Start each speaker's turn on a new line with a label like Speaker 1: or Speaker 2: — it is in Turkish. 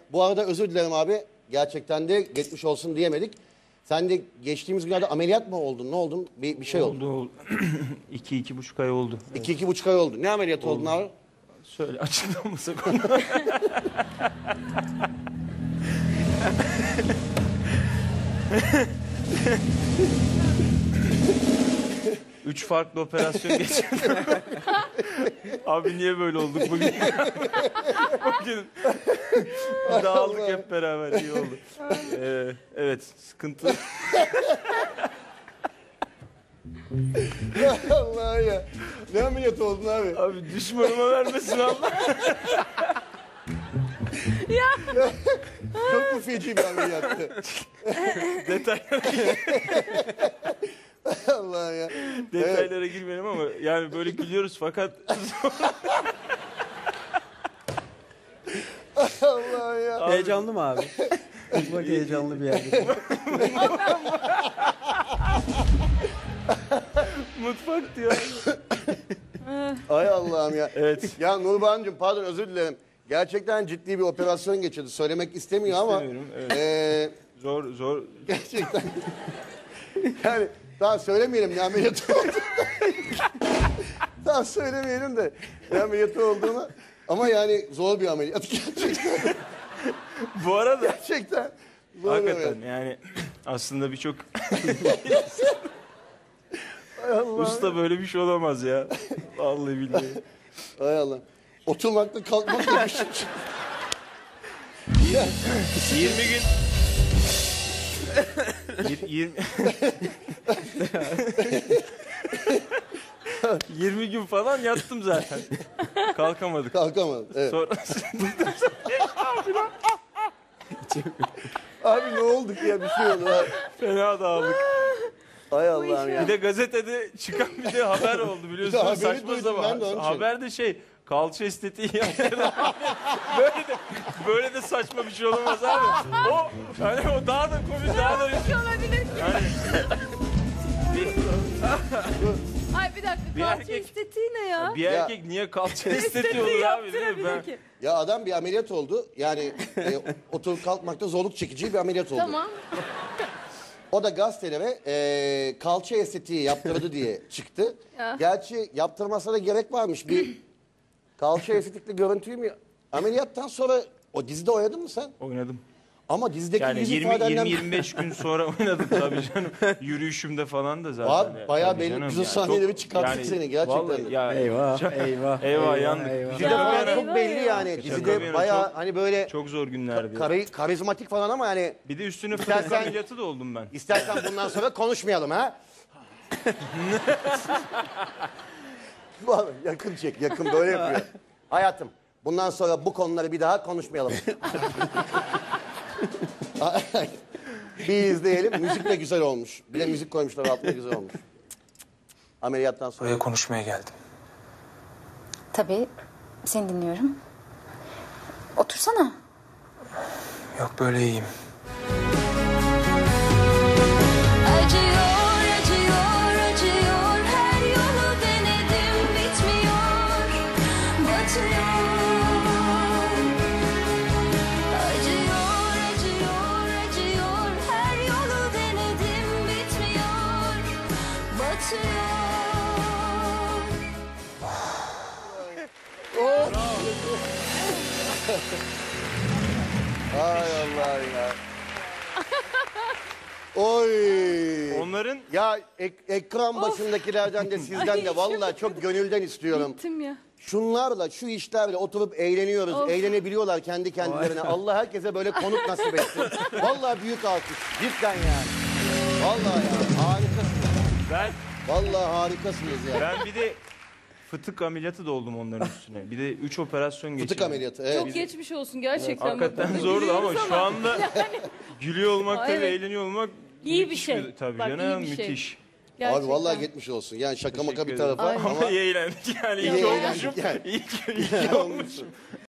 Speaker 1: Bu arada özür dilerim abi. Gerçekten de geçmiş olsun diyemedik. Sen de geçtiğimiz günlerde ameliyat mı oldun? Ne oldun? Bir şey oldu.
Speaker 2: Oldu. 2-2,5 ay oldu.
Speaker 1: 2-2,5 ay oldu. Ne ameliyatı oldun abi?
Speaker 2: Şöyle açıklamasak onu. Üç farklı operasyon geçirdim. Abi niye böyle olduk bugün? Bugün dağıldık hep beraber, iyi oldu. Evet, sıkıntı.
Speaker 1: Allah ya. Ne ameliyatı oldun abi?
Speaker 2: Abi düşmanıma vermesin Allah.
Speaker 1: Çok mu feci bir ameliyattı? Allah ya.
Speaker 2: Detaylara girmeyelim ama yani böyle gülüyoruz fakat
Speaker 1: Allah ya.
Speaker 3: Heyecanlı mı abi? Bak heyecanlı bir yerde.
Speaker 2: mutfak diyor.
Speaker 1: Ay Allah'ım ya.
Speaker 2: Evet.
Speaker 1: Ya Nurbancığım pardon özür dilerim. Gerçekten ciddi bir operasyon geçirdi. Söylemek istemiyor ama.
Speaker 2: İstemiyorum, evet. Zor.
Speaker 1: Gerçekten. Yani daha söylemeyelim ne ameliyatı oldu. Daha söylemeyelim de ne ameliyatı olduğunu. Ama yani zor bir ameliyat gerçekten.
Speaker 2: Bu arada
Speaker 1: Gerçekten. Zor bir
Speaker 2: hakikaten
Speaker 1: ameliyat.
Speaker 2: yani aslında birçok
Speaker 1: Ay Allah.
Speaker 2: usta böyle bir şey olamaz ya. Vallahi billahi.
Speaker 1: Ay Allah. Oturmakta kalkmakta bir şey.
Speaker 2: 20 gün 20 20 gün falan yattım zaten. Kalkamadık.
Speaker 1: Kalkamadım. Evet.
Speaker 2: Sonrasında
Speaker 1: Abi ne oldu ki ya bir şey oldu. Ha.
Speaker 2: fena dağıldık.
Speaker 1: Ay Allah'ım ya.
Speaker 2: Bir de gazetede çıkan bir de haber oldu
Speaker 1: Bir
Speaker 2: biliyorsun.
Speaker 1: de haberi
Speaker 2: Saçma
Speaker 1: duydum ben de onun
Speaker 2: sapan.
Speaker 1: için.
Speaker 2: Haber de şey, kalça estetiği yaptırdı. böyle de saçma bir şey olamaz abi. O daha da komik, daha da
Speaker 4: olabilir.
Speaker 2: yani
Speaker 4: Ay bir dakika,
Speaker 2: Bir
Speaker 4: kalça
Speaker 2: erkek-
Speaker 4: estetiği ne ya?
Speaker 2: bir erkek niye kalça estetiği olur abi, değil mi? Ben,
Speaker 4: ki.
Speaker 1: Ya adam bir ameliyat oldu. Yani oturup kalkmakta zorluk çekici bir ameliyat oldu.
Speaker 4: Tamam.
Speaker 1: O da gazetelere kalça estetiği yaptırdı diye çıktı.
Speaker 4: Ya.
Speaker 1: Gerçi yaptırmasına da gerek varmış. Bir kalça estetikli görüntüyü mü? Ameliyattan sonra o dizide oynadın mı sen?
Speaker 2: oynadım.
Speaker 1: Ama dizideki
Speaker 2: Yani
Speaker 1: yüz ifadenden...
Speaker 2: 20-25 gün sonra oynadım tabii canım. Yürüyüşümde falan da zaten.
Speaker 1: Abi bayağı
Speaker 2: Tabii
Speaker 1: belli
Speaker 2: canım
Speaker 1: güzel
Speaker 2: ya.
Speaker 1: sahneleri
Speaker 2: Çok-
Speaker 1: çıkarttık seni gerçekten.
Speaker 2: vallahi ya,
Speaker 3: Eyvah, eyvah.
Speaker 2: Eyvah, yandık.
Speaker 1: Dizide
Speaker 4: Ya,
Speaker 1: falan çok
Speaker 4: eyvah
Speaker 1: belli
Speaker 4: ya.
Speaker 1: yani.
Speaker 2: Şaka bir
Speaker 1: Dizide
Speaker 2: yana,
Speaker 1: bayağı
Speaker 2: çok-
Speaker 1: hani böyle
Speaker 2: Çok zor günlerdi.
Speaker 1: karizmatik falan ama yani
Speaker 2: Bir de üstüne
Speaker 1: İstersen-
Speaker 2: fıtık ameliyatı da oldum ben.
Speaker 1: istersen bundan sonra konuşmayalım ha. Vallahi yakın çek, yakın böyle yapıyor. Hayatım, bundan sonra bu konuları bir daha konuşmayalım. Bir izleyelim. Müzik de güzel olmuş. Bir de müzik koymuşlar altına güzel olmuş. Ameliyattan sonra.
Speaker 5: Buraya konuşmaya geldim.
Speaker 6: Tabii, seni dinliyorum. Otursana.
Speaker 5: Yok böyle iyiyim.
Speaker 7: Acıyor, acıyor, acıyor. Her yolu denedim, bitmiyor. Batıyor. Acıyor, acıyor, acıyor. Her yolu denedim, bitmiyor. Batıyor.
Speaker 1: Ay Allah ya. Oy.
Speaker 2: Onların
Speaker 1: Ya ekran başındakilerden de sizden de vallahi çok gönülden istiyorum.
Speaker 4: Bittim ya.
Speaker 1: Şunlarla, şu işlerle oturup eğleniyoruz.
Speaker 4: Of.
Speaker 1: Eğlenebiliyorlar kendi kendilerine. Allah herkese böyle konuk nasip etsin. Vallahi büyük alkış. Cidden yani. Vallahi ya. Harikasınız.
Speaker 2: ben
Speaker 1: Vallahi harikasınız ya.
Speaker 2: ben bir de fıtık ameliyatı da oldum onların üstüne. Bir de 3 operasyon geçirdim.
Speaker 1: Fıtık ameliyatı. Evet.
Speaker 4: Çok geçmiş olsun gerçekten.
Speaker 2: Hakikaten
Speaker 4: Bak,
Speaker 2: zordu ama
Speaker 4: gülüyoruz
Speaker 2: şu anda gülüyor olmak tabii,
Speaker 4: Evet.
Speaker 2: eğleniyor olmak
Speaker 4: İyi bir
Speaker 2: müthiş
Speaker 4: şey.
Speaker 2: Tabii
Speaker 4: Bak,
Speaker 2: canım,
Speaker 4: iyi bir şey.
Speaker 2: müthiş.
Speaker 4: Gerçekten.
Speaker 1: Abi vallahi geçmiş olsun. Yani şaka maka bir
Speaker 2: Teşekkür ederim.
Speaker 1: tarafa
Speaker 4: Aynen.
Speaker 1: ama
Speaker 2: İyi eğlendik yani.
Speaker 1: İyi
Speaker 2: İyi
Speaker 1: eğlendik
Speaker 2: olmuşum.
Speaker 1: yani.
Speaker 2: İyi ki olmuşum.